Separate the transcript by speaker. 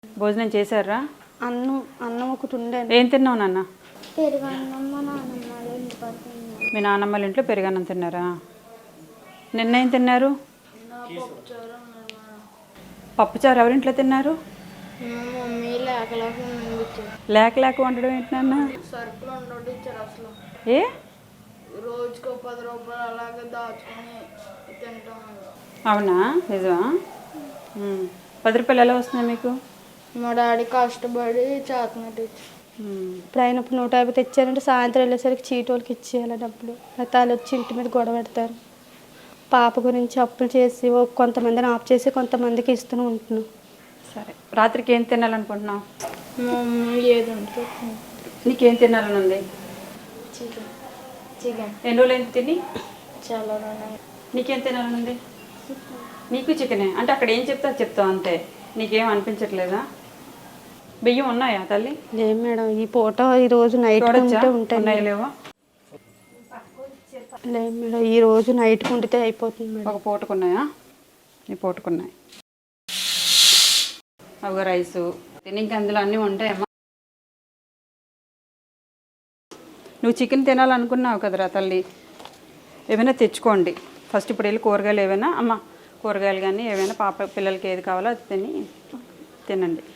Speaker 1: భోజనం చేశారా?
Speaker 2: అన్నం అన్నం ఒకటి ఉండేది.
Speaker 1: ఏం తిన్నావు నాన్న?
Speaker 3: పెరుగన్నం మా నాన్నమ్మ వాళ్ళ ఇంటి పక్కన తిన్నాను.
Speaker 1: మీ నాన్నమ్మల ఇంట్లో పెరుగన్నం తిన్నారా? నిన్న ఏం తిన్నారు? పప్పుచారు ఎవరింట్లో తిన్నారు?
Speaker 3: మా మమ్మీ లేకలేక పంపించారు.
Speaker 1: లేక లేక వండడం ఏంటి నాన్న?
Speaker 3: సరుకులు ఉండొద్దు ఇచ్చారు అసలు.
Speaker 1: ఏ
Speaker 3: రోజుకో 10 రూపాయలు అలాగే దాచుకొని తింటాం.
Speaker 1: అవునా, నిజమా? 10 రూపాయలు ఎలా వస్తున్నాయి మీకు?
Speaker 3: మా డాడీ కష్టపడి చేతనట్టు ఇచ్చారు.
Speaker 2: ఇప్పుడు ఆయన 150 తెచ్చారంటే సాయంత్రం వెళ్ళేసరికి చీటోళ్ళకి ఇచ్చేయాలి డబ్బులు. లేకపోతే వాళ్ళు వచ్చి ఇంటి మీద గొడవ పెడతారు. పాప గురించి అప్పులు చేసి కొంతమందిని ఆఫ్ చేసి కొంతమందికి ఇస్తూనే ఉంటున్నాం.
Speaker 1: సరే, రాత్రికి ఏం తినాలనుకుంటున్నావు?
Speaker 3: మా మమ్మీ ఏది ఉంటుంది
Speaker 1: నీకేం తినాలని ఉంది?
Speaker 3: చికెన్ చికెన్
Speaker 1: ఎన్ని రోజులు ఏంటి తిని?
Speaker 3: చాలా ఉన్నాయి.
Speaker 1: నీకేం తినాలని ఉంది? నీకు చికెనే అంటే అక్కడ ఏం చెప్తా చెప్తావు అంతే. నీకేం అనిపించట్లేదా? బియ్యం ఉన్నాయా తల్లి?
Speaker 2: లేదు మేడం, ఈ పూట ఈరోజు నైట్ ఉంటే ఉంటాయి.
Speaker 1: ఉన్నాయా లేవా?
Speaker 2: లేదు మేడం, ఈ రోజు నైట్ ఉండితే అయిపోతుంది మేడం.
Speaker 1: ఒక పూటకున్నాయా? ఈ పూటకున్నాయి. ఒక రైసు ఇంక అందులో అన్నీ ఉంటాయమ్మా. నువ్వు చికెన్ తినాలనుకున్నావు కదరా తల్లి, ఏమైనా తెచ్చుకోండి ఫస్ట్. ఇప్పుడు వెళ్ళి కూరగాయలు ఏమైనా, అమ్మ కూరగాయలు కానీ ఏమైనా పాప పిల్లలకి ఏది కావాలో అది తినండి.